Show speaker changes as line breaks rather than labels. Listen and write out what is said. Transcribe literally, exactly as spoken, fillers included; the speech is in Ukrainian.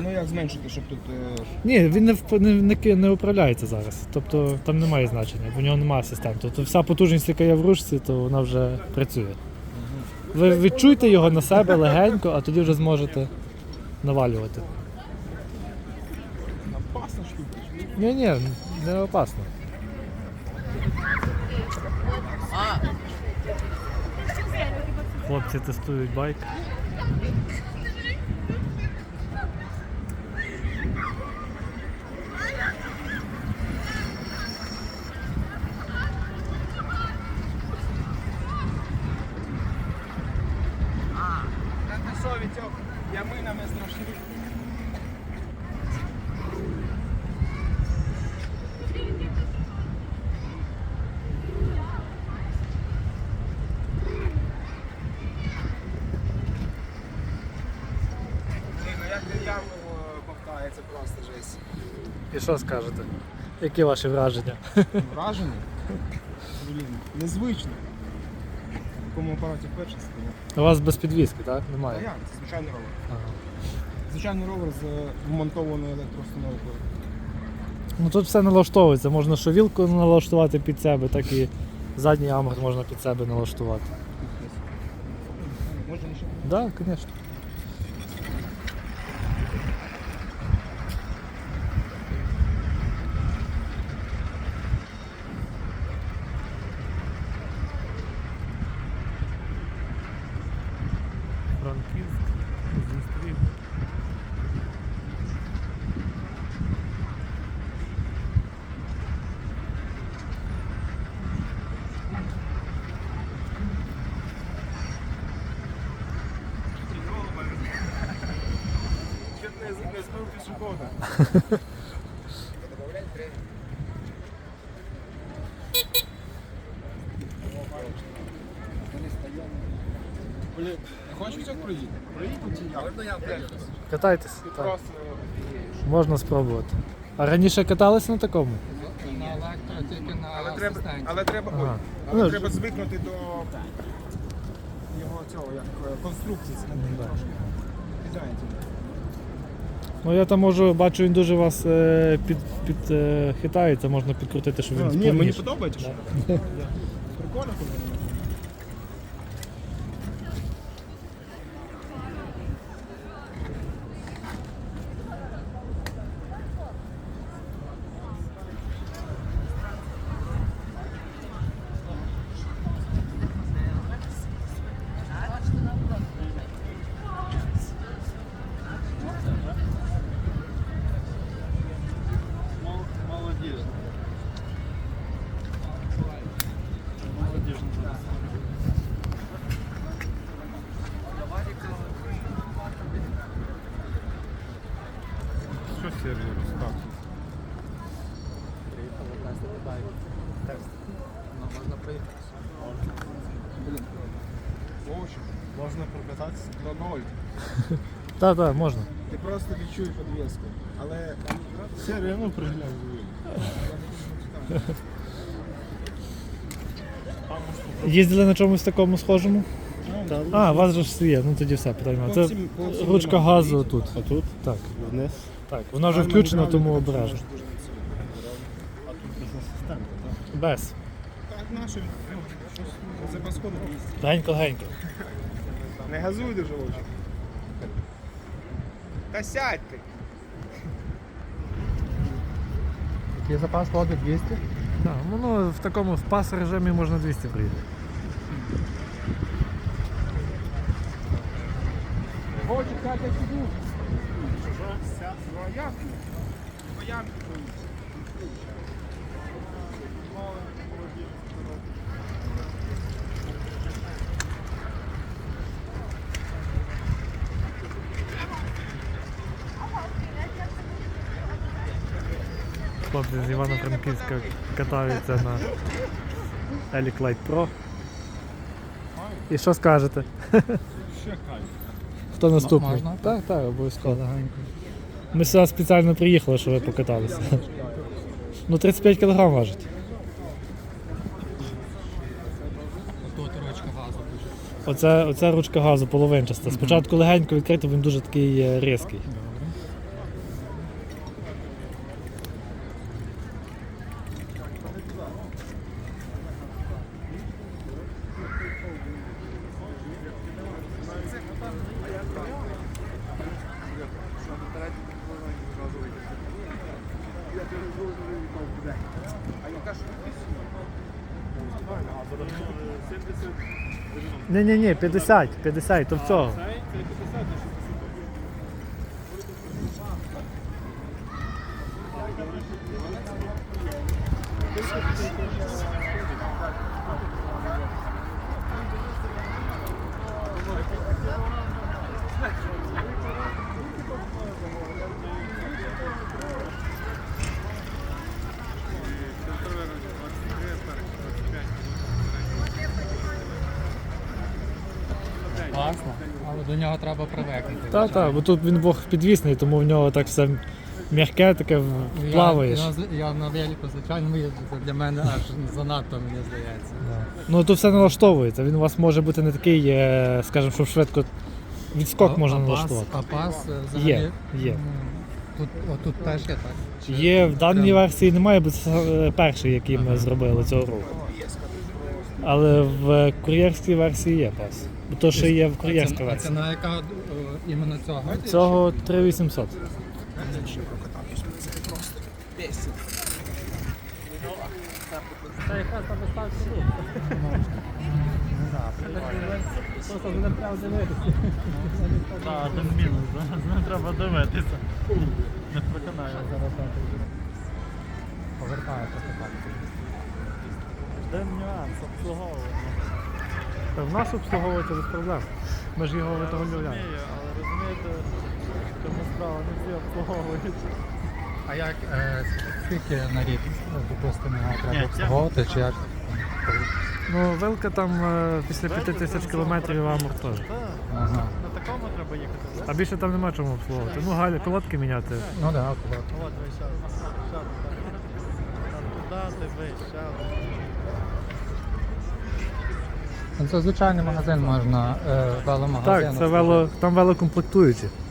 ну як зменшити, щоб тут... Е...
Ні, він не, вп- не, не, ки- не управляється зараз. Тобто там немає значення, бо в нього немає асистента. Тобто вся потужність, яка є в ручці, то вона вже працює. Ви відчуйте його на себе легенько, а тоді вже зможете навалювати.
Опасна штука.
Ні, ні, не опасно. Хлопці тестують байк.
Совітьок, яминами страшні. Як яму бовтає, це просто жесть.
І що скажете? Які ваші враження?
Вражений? Блін, незвично. В такому апараті вперше стоїть.
У вас без підвіски, так?
А
Немає?
як? Це звичайний ровер.
Ага.
Звичайний ровер з вмонтованою електроустановкою.
Ну тут все налаштовується, можна що вілку налаштувати під себе, так і задній амгар можна під себе налаштувати.
Можна ще?
Так, да, звісно. Франківськ зустрів.
Чуть не, не збив пішохода. Блін, хочеш цього проїти? Проїдемо чи як?
Катайтесь.
Ти
Так.
просто...
Можна спробувати. А раніше катались на такому?
На електро, тільки на
Але треба,
асистенті.
але треба, ой,
Ага.
але
Ну,
треба звикнути до його цього, як е, конструкції. Це не
да.
трошки кидається.
Ну я там можу, бачу, він дуже вас е, під, під е, хитається, можна підкрутити, щоб він
Ні, мені
сповніше.
подобається. що? Прикольно, коли воно.
Що серію розказує?
Ну, можна проїхати.
Вовчик, можна прокататися до ноль.
Так, так, можна.
Ти просто відчуй підвіску. Але
Серію, ну приглянь.
Їздили на чомусь такому схожому?
Так.
А, у вас же ж є, ну тоді все, питання.
По
Це
всім- по всім
ручка
нема.
газу тут.
А тут
Так,
вниз.
так, вона вже включена, тому обережно.
А тут без асистента, так?
Без.
Так, нашим, ну, щось за паскоду.
Генько-генько.
Не газуй дуже очі. Та сядь ти.
Який запас води двісті?
Так, воно в такому в пас режимі можна двісті приїхати.
Очі, сядь, я сиду. Ну а як? По ямки проїзд.
Хлопці з Івано-Франківська катаються на Елік Лайт Про. І що скажете?
Ще кайф.
Хто наступний?
можна?
Так, так, обов'язково. Ми сюди спеціально приїхали, щоб ви покаталися. Ну тридцять п'ять кілограм важить.
Тут ручка газу дуже.
Оце, оце ручка газу половинчаста. Спочатку легенько відкрито, він дуже такий е, різкий.
Я перезвоню і там буде. А яка ж швидкість?
Ні, ні, ні, п'ятдесят, п'ятдесят, то в цього.
Класно. Але до нього треба привикнути.
Так, так, бо тут він Бог підвісний, тому в нього так все м'яке, таке
Я-
плаваєш.
Я, я на велику, звичайно, їжджу, це для мене аж занадто, мені здається.
Ну тут все налаштовується. Він у вас може бути не такий, е, скажімо, щоб швидко відскок
А-
можна
а пас-
налаштувати.
А пас е, взагалі?
Є, є.
м, Тут, отут теж є так? Чи-
Є в даній
прям-
версії немає, бо це е, перший, який ми зробили цього року. Але в кур'єрській версії є пас. Бо то ще є в
А
кур'єрській
це- А це
версії.
на яка е, іменно цього?
Цього три вісімсот. Це якраз там доставка рук. Просто не треба дивитися.
Так, один мінус, з ним треба дивитися. Не проконаю зараз.
Повертається так.
Де нюанс обслуговування.
В нас обслуговується без проблем. Ми ж його виготовляємо.
Розумію, але розумієте, в чому справа, не всі обслуговують.
А як, е, скільки на рік, е, допустимо, його
Ні,
треба
це-
обслуговувати, чи як?
Ну, вилка там е, після п'яти тисяч кілометрів амур теж.
Так,
Ага.
на такому треба їхати,
А
так?
більше там нема чому обслуговувати. Ну, галя, колодки міняти.
Ну так, да,
От ви щас, щас, там туди, дивись, щас.
Ну, це звичайний магазин можна, е, веломагазин.
Так, це вело, там велокомплектуючі.